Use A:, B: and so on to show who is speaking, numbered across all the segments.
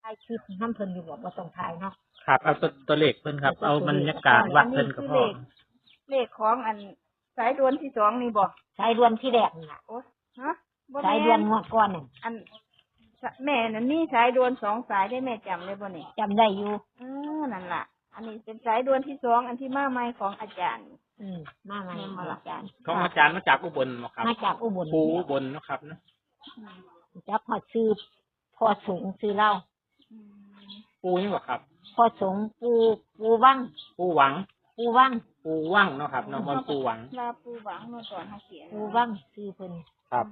A: ายคลิปน้ำเพิ่นอยู่บ่ต้องถ่ายเนาะ
B: ครับเอาตัวเลขเพิ่นครับเอาบรรยากาศวัดเพิ่นก็พอ
C: เลขของอันสายด่วนที่2นี่บ่
A: สายด่วนที่แรกนี่ล่ะ
C: โอ้ฮะ
A: สายด่วนงวดก่อนนั่น
C: อันแม่นั่นนี่สายด่วน2สายได้แม่จำได้บ่นี่
A: จำได้อยู่
C: นั่นล่ะอันนี้เป็นสายด่วนที่2อันที่มาใหม่ของอาจารย์
A: มาใหม่ของอาจารย์
B: ของอาจารย์มาจากอุบลเนาะครับ
A: มาจากอุบล
B: ปูอุบลเนาะครับเนาะ
A: จับพอซื้อพอสูงซื้อเล่า
B: ปูนี่บ่ครับ
A: พอสูงปูวัง
B: ปูหวัง
A: เ
B: นาะครับเนาะมันปูหวัง
C: ลาปูหวังเมื่อก่อนเฮาเขียน
A: ปูวังซื้อเพิ่น
B: ครับ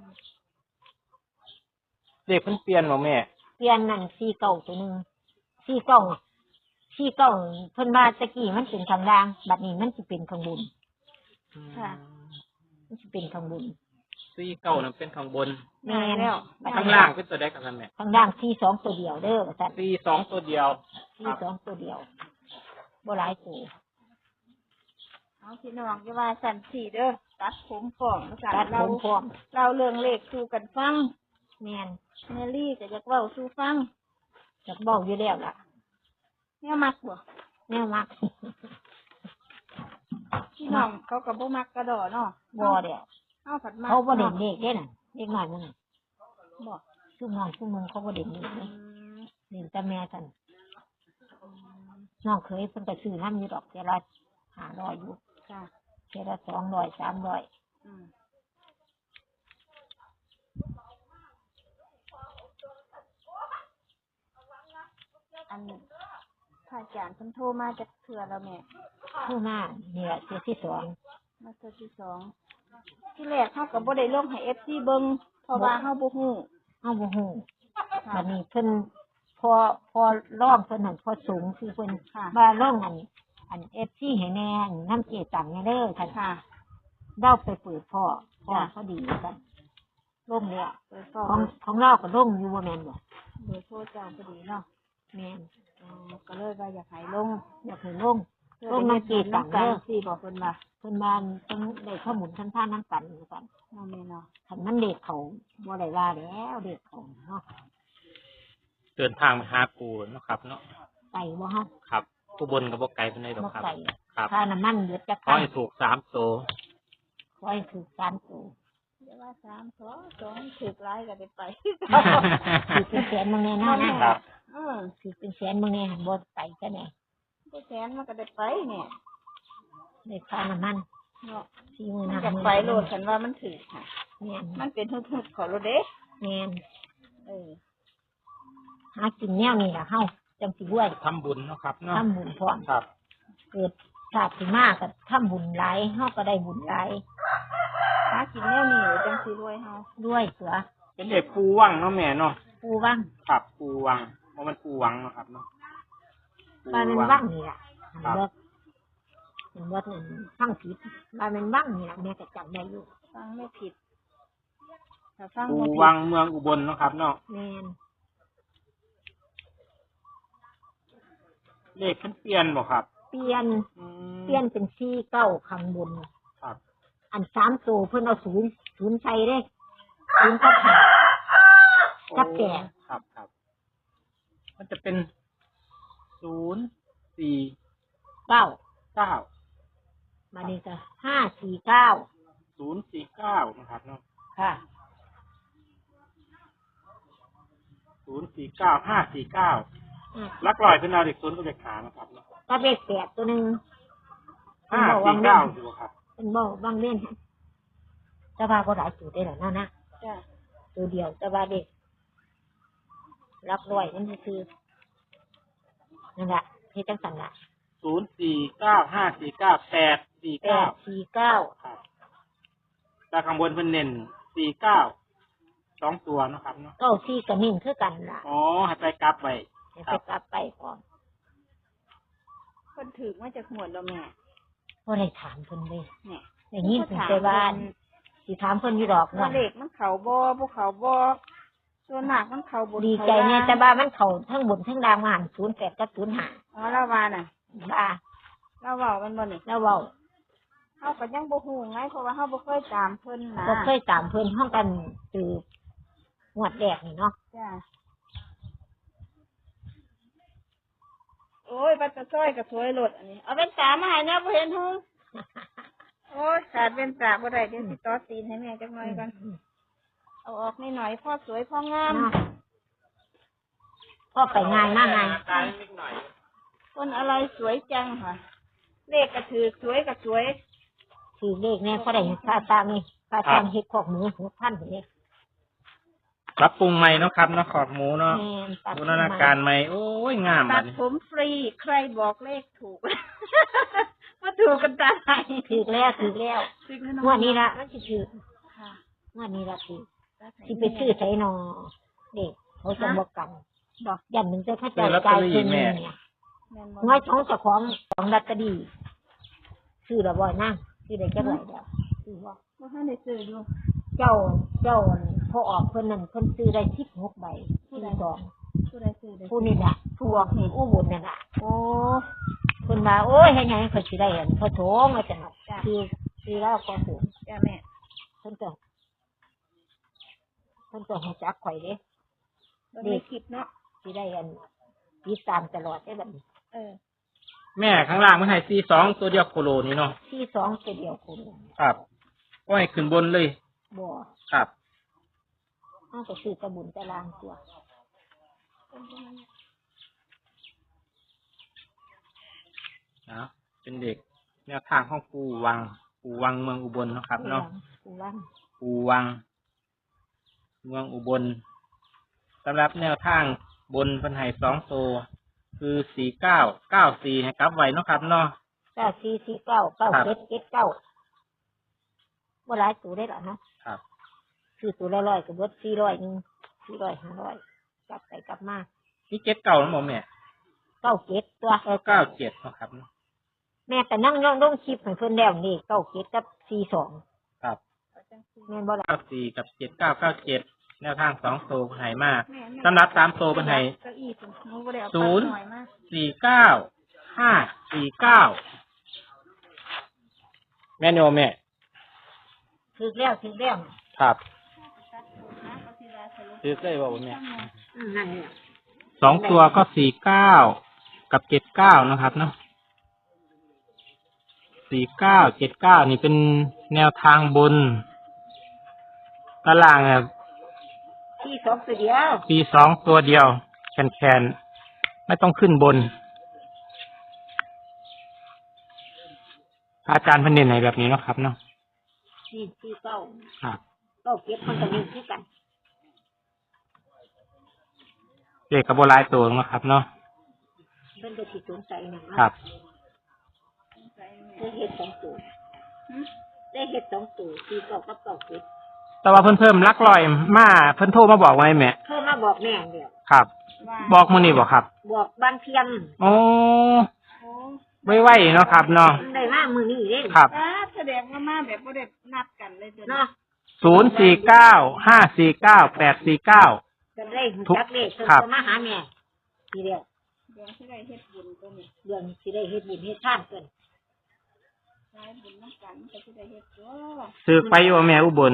B: เลขเพิ่นเปลี่ยนบ่แม่
A: เปลี่ยนนั่น49ตัวนึง49เพิ่นว่าตะกี้มันเป็นข้างล่างบัดนี้มันสิเป็นข้างบน
C: ค่ะ
A: มันสิเป็นข้างบน
B: 49นั่นเป็นข้างบน
A: แม่แล้ว
B: ข้างล่างเป็นตัวใดกันแม่
A: ข้างล่าง42ตัวเดียวเด้อว่าซั่น
B: 42ตัวเดียว
A: 42ตัวเดียวบ่หลายตัว
C: เอาพี่น้องอย่าว่าสั่นสิเด้อตัดผมพร้อม
A: ตัดผมพร้อม
C: เราเรื่องเลขสู่กันฟัง
A: แม่น
C: แม่ลี่ก็อยากเว้าสู่ฟัง
A: อยากบอกอยู่แล้วล่ะ
C: แนวมักบ่
A: แนวมัก
C: พี่น้องเขาก็บ่มักกระดอเนาะ
A: บ่เด้อเขาบ่เด่นเลขเด้น่ะเด็กน้อยมันน่ะ
C: บ่
A: ซุน้องซุมึงเขาบ่เด่นเลขเลยเด่นแต่แม่ซั่นน้องเคยเพิ่นก็ซื้อนำอยู่ดอกเท่าละ500อยู่
C: ค่ะ
A: เท่าละ200 300
C: อันพระอาจารย์เพิ่นโทรมาจากเทื่อแล้วแม่
A: โทรมาเนี่ยเทื่อที่2
C: มาเทื่อที่2ที่แรกเฮาก็บ่ได้ลงให้ FC เบิ่งเพราะว่าเฮาบ่ฮู้
A: บัดนี้เพิ่นพอร้องเพิ่นนั่นพอสูงคือเพิ่นมาลงอัน FC ให้แน่นำเจตังแน่เด้อค่ะเด้าไปเปิดพ่อเขาดีกันลงแล้วของเราก็ลงอยู่บ่แม่นบ่
C: เบอร์โทรเจ้าพอดีเนาะ
A: แม่น
C: ก็เลยว่าอยากให้ลง
A: นำเจตังเด้อ
C: สิบอกเพิ่นว่า
A: เพิ่นบ้านต้องได้ข้อมูลท่านน้ำกันกัน
C: แม่เนาะ
A: คันมันเด็กเขาบ่ได้ว่าแล้วเด็กเขาเนาะ
B: เดินทางมาหาปูเนาะครับเนาะ
A: ไปบ่ฮะ
B: ครับอุบลก็บ่ไกลปานใดดอกครับ
A: ค่าน้ำมันเดือดจัก
B: ขอให้ถูก3ตัว
A: ขอให้ถูก3ตัว
C: เดี๋ยวว่า3 2ถูกหลายก็ได้ไป
A: ถูกเป็นแสนมื้อนี้นะครับถูกเป็นแสนมื้อนี้บ่ไปซะแน่
C: บ่แสนมันก็ได้ไปเนี่ย
A: ได้ค่าน้ำมัน
C: เนาะ
A: 40,000
C: อยากไปโลดฉันว่ามันถูกค่ะ
A: แม่น
C: มันเป็นฮึดๆขอโลดเด้
A: แม่นหากินแนวนี้ล่ะเฮาจังสิรวย
B: ทำบุญเนาะครับเนาะ
A: ทำบุญพร้อม
B: ครับ
A: เกิดชาติสิมาก็ทำบุญหลายเฮาก็ได้บุญหลาย
C: หากินแนวนี้จังสิรวยเฮาร
A: วยเสือ
B: เป็นเด็กปูวังเนาะแม่เนาะ
A: ปูวัง
B: ครับปูวังบ่มันปูวังเนาะครับเนาะ
A: บ้านมันวังนี่ล่ะเป็นบ่นั่นฟังผิดบ้านมันวังนี่ล่ะแม่ก็จำได้อยู่
C: ฟังไม่ผิดถ้าฟัง
B: ปูวังเมืองอุบลเนาะครับเนาะ
A: แม่น
B: เลขเพิ่นเปลี่ยนบ่ครับ
A: เปลี่ยนเป็น49ข้างบน
B: ครับ
A: อัน3ตัวเพิ่นเอา0ใส่เด้0กับ5กับ8
B: ครับมันจะเป็น0 4 9
A: มานี่ก็549
B: 049นะครับเนาะ
A: ค่ะ
B: 049 549ลักลอยเป็นเอาเด็ก0กับเด็กขานะครับเนาะ
A: ก็เลข8ตัวนึง
B: 549อยู่ครับ
A: เป็นบ่บางเล่นแต่ว่าบ่หลายตัวได้หรอกนะ
C: จ้ะ
A: ตัวเดียวแต่ว่าเด็กรับร้อยมันคือนั่นแหละเฮ็ดจังซั่นล่ะ
B: 049 549 849ครับแต่ข้างบนเพิ่นเน้น49 2ตัวเนาะครับเนาะ
A: 94ก็นิ่งคือกันล่ะ
B: อ๋อให้ไปกลับไว้
A: ให้ไปกลับไปพร้อม
C: เพิ่นถึกมาจากหัวแล้วแม่
A: บ่ได้ถามเพิ่นเลยเนี่ยได้ยินเพิ่นแต่บ้านสิถามเพิ่นอยู่ดอก
C: ว่าเลขมันเข้าบ่เข้าบ่ส่วนมากมันเข้าบ่
A: ดีใจแน่แต่ว่ามันเข้าทั้งบนทั้งล่างมา08กับ05
C: อ๋อแล้วว่าน่ะเราเว้ามันบ่นี่
A: เราเว้า
C: เฮาก็ยังบ่ฮู้ไงเพราะว่าเฮาบ่เคยตามเพิ่นนะ
A: บ่เคยตามเพิ่นเฮากันตืองวดแรกนี่เนาะ
C: จ้ะอ้ยบัตรซ้อยกับสวยโลดอันนี้เอาเป็นตามาให้เนี่ยบ่เห็นหูโอ้ยขาดเป็นตาบ่ได้เดี๋ยวสิต่อตีนให้แม่จักหน่อยก่อนเอาออกนิดหน่อยพ่อสวยพ่องาม
A: พ่อไปง่ายมากไง
B: ตายนิดหน่อย
C: ต้นอะไรสวยจังค่ะ เลขกระถือสวยกับสวย
A: คือเลขเนี่ยพ่อได้ค่าตามนี่ค่าตามเฮ็ดขอกหมู6,000เลย
B: ปรับปรุงใหม่เนาะครับเนาะขอบหมูเนาะ
A: แม่นตัด
B: บูรณาการใหม่โอ้ยงาม
C: ตั
B: อั
C: ด
B: นนี้
C: ผมฟรีใครบอกเลขถูก มาถูกกันตาไหน
A: ถือแล้วถือแล้ว
C: ซื้อ
A: งวดนี้ละมันสิถือ
C: ค่ะ
A: งวดนี้ละถือสิไปซื้อไสนอเด็กเขาจะบอกกัน
C: บอก
A: ยันมึงจะเข้าใจใจคือเนี่ย
C: แม่นบ่
A: น้อยของเจ้าของลอตเตอรี่ซื้อละบ่อยนะซื้อได้จักไหร่เดียวซื้อบ่
C: บ่ทันได้ซื้ออยู่
A: เจ้าพอออกเพิ่นนั่นเพิ่นซื้อได้16ใบที่สอง
C: ผู้ใดซื้อได้
A: ผู้นี่ล่ะผู้ออกนี่อู้บุญนั่นล่ะ
C: โอ้
A: เพิ่นว่าโอ้ยเฮ็ดหยังเพิ่นสิได้อันพอโถงว่าจังซั่นคือแล้วก็ถูก
C: จ้าแม่
A: เพิ่นก็ฮู้จักข่อยเด้
C: บ่ได้คิดเนาะ
A: สิได้อันติดตามตลอดได้บัดนี้
C: เออ
B: แม่ข้างล่างมันให้42ตัวเดียวโคโลนี่เนาะ
A: ที่สองตัวเดียวคุณ
B: ครับก็ให้ขึ้นบนเลย
A: บ่
B: ครับ
A: เฮาก็ซื้อตะบุญตะลางตัว
B: นะเป็นเด็กแนวทางของปูวังเมืองอุบลเนาะครับเนาะ
A: ปูวัง
B: ปูวัง เมืองอุบลสำหรับแนวทางบนเพันไห้2ตัวคือ4994ให้กลับไว้เนาะครับเนาะ
A: 9449 9779บ่หลายตัวได้หรอเนาะ
B: ครับ
A: ซื้อตัวละ100ก็เบิด400นึง400 500กลับไปกลับมา
B: นี่7เก่าแล้วบ่แม่
A: 97ตัว
B: 97เนาะครับ
A: แม่ก็นั่งลงคลิปให้เพิ่นแล้วนี่97กับ42
B: ครับ
A: แม่นบ่ล่ะ
B: 94กับ7997แนวทาง2ตัวเพิ่นให้มา
C: แม่แม่
B: สำหรับ3ตัวเพิ่นให้
C: เก้าอี้ผมหนูบ่ได้เอา
B: ศู
C: ปัด
B: นย์
C: หน่อยมา
B: 49549แม่นบ่แม่
A: ถึกแล้ว
B: ครับ
C: เอาทีละสรุป
B: ซื้อได้บ่แม่
A: นั่นนี่
B: 2ตัวก็49กับ79นะครับเนาะ4979นี่เป็นแนวทางบนตารางครับ
A: ที่สองตัวเดียว
B: 42ตัวเดียวแคนๆไม่ต้องขึ้นบนอาจารย์เพันเด่นไหนแบบนี้เนาะครับเนาะ
A: ที่เก้า
B: ครับ
A: 97มันก็มีคือกัน
B: เด็กกับโบราณตัวเนาะครับเนาะ
A: เพิ่นก็สิสงสัยหยัง
B: ครับ
A: ได้เฮ็ด2ตัวได้เฮ็ด2ตัว49กับ97
B: แต่ว่าเพิ่นเพิ่มลักลอยมาเพิ่นโทรมาบอกไว้แม่
A: เพิ่นมาบอกแม่เดียว
B: ครับ
C: ว่า
B: บอกมื้อนี้บ่ครับ
A: บอกบางเทียม
B: โอ้
C: โอ้
B: ไว้ๆเนาะครับเนาะ
A: ได้มามื้อนี้เด้
B: ครับ
C: แสดงว่ามาแบบบ่ได้นัดกันเลยจ้ะ
A: เนาะ
B: 049549849
A: ก็ได้รู้จักเลขเพิ่น
B: ครับ
A: ก็มาหาแม่ทีเดียว
C: เดี๋ยวสิได้เฮ็ดบุญตัวนี้
A: เรื่องสิได้เฮ็ดบุญเฮ็ดทานเพิ่น
C: ใช้บุญนำกันก็สิได้เฮ็ดตัว
B: ซื้อไปอยู่แม่อุบล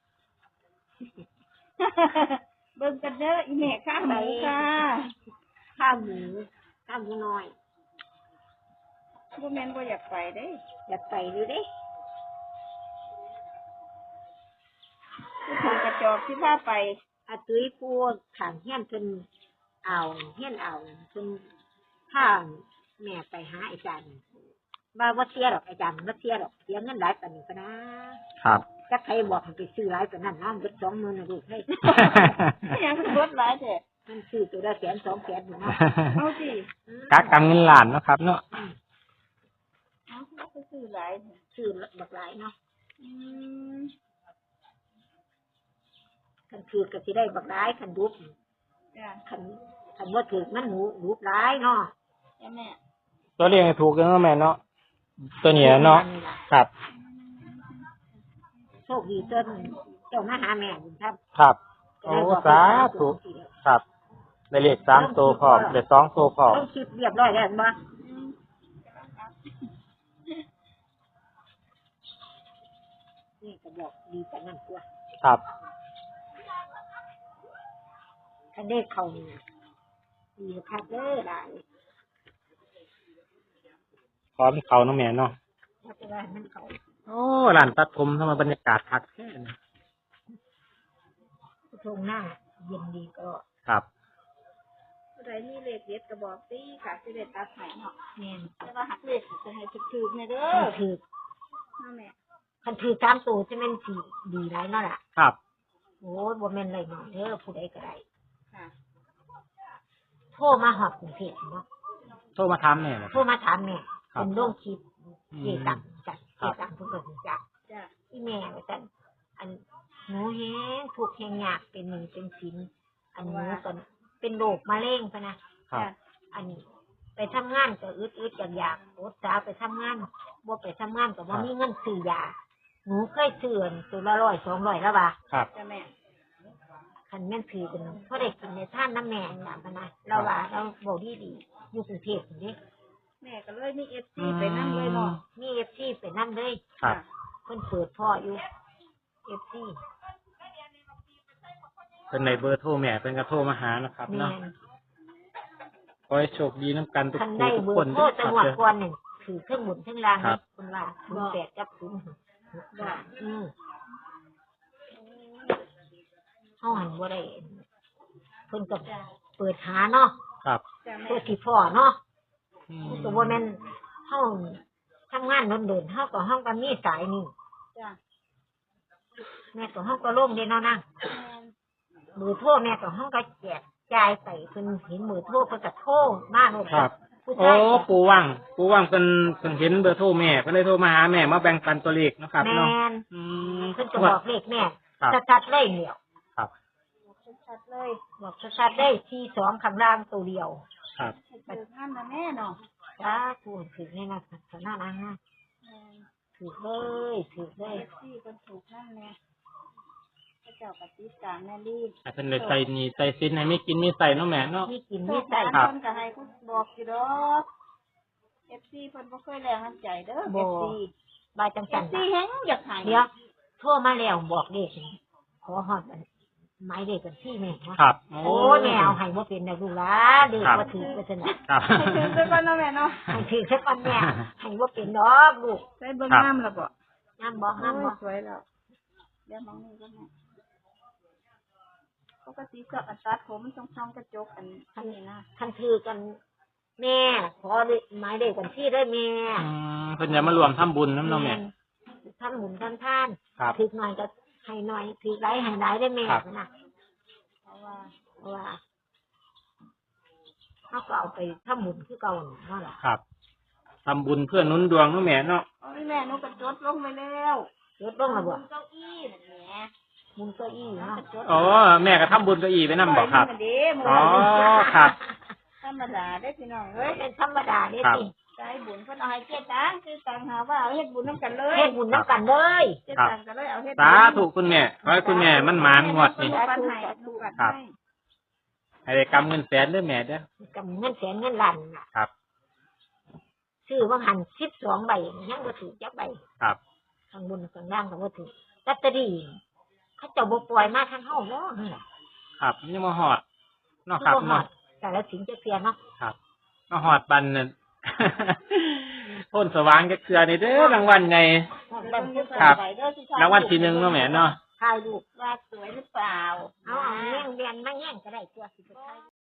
C: เบิ่งกันเด้ออีแม่ข้างหมูค่ะ
A: ข้าวหมูน้อย
C: บ่แม่นบ่อยากไปเด้
A: อยากไปอยู่เด้
C: ผู้ถูกกระจอกที่พาไป
A: อาตุ้ยพูดข้างเฮียนเพิ่นเอาเฮียนเอาเพิ่นพาแม่ไปหาอาจารย์บ่เสียหรอกอาจารย์บ่เสียหรอกเสียเงินหลายปานนี้ก็นะครับ จักใครบอกให้ไปซื้อหลายปานนั้นเนาะเบิด20,000น่ะลูกเฮ้ย
C: ยังคือรถหลายแท้
A: มันซื้อตัวละ100,000 200,000อยู่เนาะ
C: เอาสิ
B: กักกำเงินล้านเนาะครับเนาะ
C: เอาเขาไปซื้อหลายแท้
A: ซื้อบักหลายเนาะ
C: อืม
A: คันถือก็สิได้บักหลายคันดุบ
C: จ้ะ
A: คันบ่ถือมันหนูดุบหลายเนาะ
C: จ้ะแม่
B: ตัวเลขถูกเนาะแม่เนาะตัวนี้เนาะครับ
A: โชคดีจนเจ้ามาหาแม่บุญธรรม
B: ครับโอ้สาธุครับได้เลข3ตัวพร้อมได้2ตัวพร้อม
A: ต้องคิดเรียบร้อยแล้วบ่นี่ก็บอกดีแต่นั่นตัว
B: ครับ
A: คันได้เข้านี่ดีคักเด้อหลาย
B: ขอเป็นเขาเนาะแม่เนาะ
A: ถ้าจะว่ามันเขา
B: โอ้ร้านตัดผมทำไมบรรยากาศคักแค่นี้
A: ทงหน้าเย็นดีก็
B: ครับ
C: ผู้ใดมีเลขเด็ดก็บอกสิค่ะสิได้ตัดให้เนาะ
A: แม่น
C: แต่ว่าหักเลขจะให้ถูกๆเนี่ยเด้
A: คั
C: อน
A: ถือ
C: เนาะแม่
A: คันถือตามตัวจะแม่นสีดีไรเนาะล่ะ
B: ครับ
A: โอ้ยบ่แม่นเลยเนาะเด้อผู้ใดก็ได้
C: ค่ะ
A: โทรมาหอบกรุงเทพเนาะ
B: โทรมาถามแม่เหรอ
A: โทรมาถามแม่
B: ครับ
A: เป็นโรคคิดเจตังจัดเจตังเพิ่นก็รู้จัก
C: จ้ะ
A: ที่แม่ว่าซั่นอันหนูแฮงทุกข์แฮงยากเป็นหนี้เป็นสินอันหนูก็เป็นโรคมะเร็งพะนะครับ อันนี้ไปทำงานก็อึดๆอยากๆอดสาไปทำงานบ่ไปทำงานก็บ่มีเงินซื้อยาหนูเคยซื้ออันตัวละ100 200แล้วว่า
B: ครับ
C: จ้ะแม่
A: คันแม่นถือกันเพราะได้กินในท่านน้ำแม่น่ะพะนะเราว่าเราบ่ดีๆอยู่กรุงเทพนี่
C: แม่ก็เลยมีFC ไปนั่งเลยเนาะ
A: มี FC ไปนำเลย
B: ครับ
A: เพิ่นเปิดพ่ออยู่ FC
B: เป็นในเบอร์โทรแม่เป็นกระโทรมาหานะครับ
A: แม่
B: เนาะ
A: น
B: ขอให้โชคดีน้ำกันทุก
A: คัน
B: ผู้
A: ได้
B: ทุก
A: เบอ
B: คน
A: ร์โทร
B: ด้วยค
A: จั
B: รั
A: ง
B: บ
A: หวัด
B: เด้อ
A: ก่อนนี่ถือเครื่องหมุนเครื่องราง
B: ครั
A: นี่
B: บ
A: เพิ่นว่า08กับ06เฮาหันบ่ได้เพิ่นก็เปิดหาเนาะ
B: ครับ
C: จ้ะแม่
A: เพื่อสิพ่อเนาะ
B: อืม
A: ก็บ่แม่นเฮาทำงานโดนๆเฮาก็มีสายนี่
C: จ้ะ
A: แม่ก็เฮาก็ลงเด้เนาะนะ
C: แม่น
A: มือโทรแม่ก็เฮาก็แจกจ่ายไปเพิ่นเห็นมือโทรเพิ่นก็โทรมาโลด
B: ครับ
A: ผู้
B: โอ้
A: ชาย
B: ปูว่างเป็นเห็นเบอร์โทรแม่เพิ่นเลยโทรมาหาแม่มาแบ่งปันตัวเลขเนาะครับ
A: แม่
B: เนาะ
A: น
B: อืม
A: เพิ่นก็บอกเลขแม่
B: ครับ
A: ชัดๆเลยเดียว
B: ครับ
C: ชัดๆเลย
A: บอกชัดๆได้ที่2ข้างล่างตัวเดียว
B: ครับ
C: ให้ถูกนั่นนะแม่เนาะ
A: จ้าพูดถึงนี่นะสนานะ
C: แม่น
A: ถูกเลยถูกเลย
C: FC เพิ่นถูกนั่นแน่พระเจ้าปฏิสารแม่ลี
B: ให้เพิ่นเลยใส่นี่ใส่ซินให้ไม่กินไม่ใส่เนาะแม่เนาะ
A: มีกิน
C: โช
A: มี
C: ค
A: ใส่
C: ดี
B: ครับ
C: เพิ่นก็ให้คุณบอกอยู่ดอก FC เพิ่นบ่เคยแรงน้ำใจเด้อ FC
A: บายจังสัน
C: FC แฮงอยากให้
A: เดี๋ยวโทรมาแล้วบอกเลขขอฮอดหมายเลขบัญชีแม่เนาะ
B: ครับ
A: โอ้แม่เอาให้บ่เป็นนะลูกหลาเด็กบ่ถือไปซั่นน่ะ
B: ครับ
C: ให้ถึงด้วยกันเนาะแม่เนาะ
A: ให้ถือสักวันแม่ให้บ่เป็นดอกลูก
C: ใส่เบิ่ง
B: ครับ
C: งามแล้วบ่
A: งามบ่งามบ่
C: สวยแล้วเดี๋ยวมองนี่ก็แม่ปกติก็อันตัดผมมันช่องๆกระจกอันนี้นะ
A: คันถือกัน แม่ขอหมายเลขบัญชีได้แม่
B: อืมเพิ่นจะมารวมทำบุญน้ำเนาะแม่
A: ทำบุญทำทาน
B: ครับ
A: ถือหน่อยก็ให้หน่อยถือหลายให้หลายได้แม่
B: ครับ
A: นะ
C: เพราะว่า
A: เพราะว่าเฮาก็เอาไปทำบุญคือเก่านั่นล่ะ
B: ครับทำบุญเพื่อหนุนดวงเนาะแม่เนาะ
C: โอ้ยแม่หนูกระจดลงไปแล้ว
A: ลดลงแล้วบ่
C: เก้าอี้นั่นแหละ
A: บุญเก้าอี้เนาะ
B: อ๋อแม่ก็ทำบุญเก็อีไปนำบ่ครับ
C: ปล่อยมันมาเด้หมู่
B: อ๋อครับ
C: ธรรมดาได้อพี่น้องเอ้ย
A: เป็นธรรมดาเด้
B: ครับ
A: สิ
C: ใจบุญเพิ่นเอาให้เจ๊ตังคือตังหาว่าเอาเฮ็ดบุญนำกันเลย
A: เฮ็ดบุญน้ำกันเลย
C: เจ๊ตังก็เลยเอาเฮ็ด
B: สาธุคุณแม่ขอให้คุณแม่มันหมานงวดนี่
C: ปันให้ลูกปัน
B: ครับ
C: ให้
B: ให้ได้กำเงินแสนเด้อแม่เด้อ
A: กับเงินแสนเงินล้านน่ะ
B: ครับ
A: ซื้อว่าหัน12ใบยังบ่ถูกจักใบ
B: ครับ
A: ข้างบนข้างล่างก็บ่ถูกลอตเตอรี่เขาเจ้าบ่ปล่อยมาทางเฮาเนาะนั่นล่ะ
B: ครับยังมาหอดเนาะครับ
A: บ่ฮอ
B: เนาะ
A: ดแต่ละสิงจะเสียเนาะ
B: ครับมาหอดบันนั่น พ้นสว่างก็เกลือในเด้อรางวัลไง ครับ รางวัลที่ 1เนาะแม่เนาะ
A: ถ่ายรูป
C: ว่าสวยหรือเปล่า
A: เอาแย่งเรียนมาแย่งก็ได้ตัวสิไปถ่าย